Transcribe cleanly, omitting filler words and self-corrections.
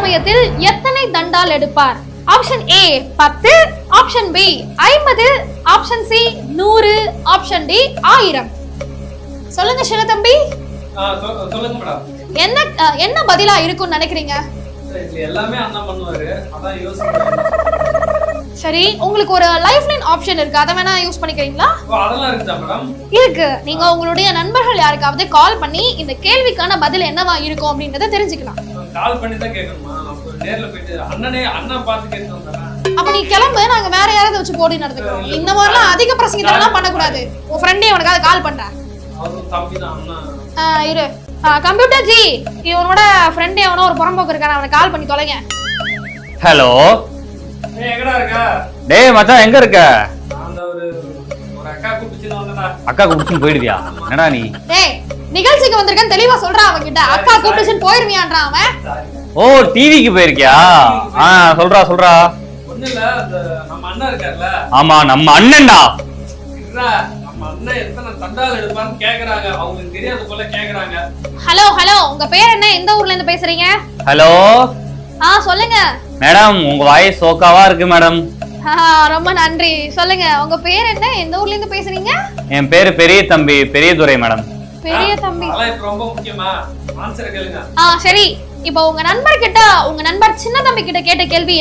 சமயத்தில் எத்தனை தண்டால் எடுப்பார்? Option A 10, option B 50, option C 100, option D 1000. சொல்லுங்க சின்னத்தம்பி. சொல்லுங்க மேடம். என்ன பதிலா இருக்கும்னு நினைக்கிறீங்க? எல்லாமே அண்ணா பண்ணுவாரு, அதான் யோசிக்கிறேன். சரி, உங்களுக்கு ஒரு லைஃப் லைன் ஆப்ஷன் இருக்கு, அத வேணா யூஸ் பண்ணிக்கிறீங்களா? அதெல்லாம் இருக்குதா மேடம்? இருக்கு. நீங்க உங்களுடைய நண்பர்கள் யாருக்காவது கால் பண்ணி இந்த கேள்விக்கான பதில் என்னவா இருக்கும் அப்படின்றத தெரிஞ்சுக்கலாம். கால் பண்ணி தான் கேட்கணுமா? அப்ப நேர்ல போயிட்டு அண்ணா பார்த்து கேட்டு வந்தானே. அப்ப நீ கிளம்பு, நாங்க வேற யாராவது வச்சு போடி நடந்துக்கிறோம். இந்த மாதிரிலாம் அதிக பிரசங்கித்தனம் பண்ண கூடாது. உன் ஃப்ரெண்டே உனக்காவது கால் பண்றேன். அவரும் தம்பி தான் அண்ணா. இரு. கம்ப்யூட்டர் ஜி, இவனோட ஃப்ரெண்டே அவனோ ஒரு புறம்போக்கு இருக்கான, அவனை கால் பண்ணி தொலைங்க. ஹலோ. எங்கடா இருக்க? டேய் மச்சான், எங்க இருக்க? அந்த ஒரு அக்கா கூப்பிட்டு வந்தடா. அக்கா கூப்பிட்டு போயிடுவியா? என்னடா நீ? டேய், நிகழ்ச்சிக்கு வந்திருக்கேன்னு தெளிவா சொல்றான் அவன் கிட்ட. அக்கா கூப்பிட்டுன்னு போயிருவியான்றான் அவன். ஓ, டிவிக்கு போயிருக்கியா? சொல்றா. ஒண்ணு இல்ல, அந்த நம்ம அண்ணா இருக்கார்ல. ஆமா, நம்ம அண்ணன்டா. நம்ம அண்ணன் எத்தனை தண்டால் எடுப்பான்னு கேக்குறாங்க. அவங்களுக்கு தெரியாத போல கேக்குறாங்க. ஹலோ, உங்க பேர் என்ன? எந்த ஊர்ல இருந்து பேசுறீங்க? ஹலோ. சொல்லுங்க மேடம், உங்க வாய்ஸ் சோக்காவா இருக்கு மேடம். ரொம்ப நன்றி. சொல்லுங்க, உங்க பேர் என்ன? எந்த ஊர்ல இருந்து பேசுறீங்க? என் பேரு பெரிய தம்பி, பெரியதுரை மேடம். பெரிய தம்பி. அதெல்லாம் இப்ப ரொம்ப முக்கியமா? ஆன்சர் கேளுங்க. சரி, இப்போ உங்க நண்பர் சின்ன தம்பி கிட்ட கேட்ட கேள்வி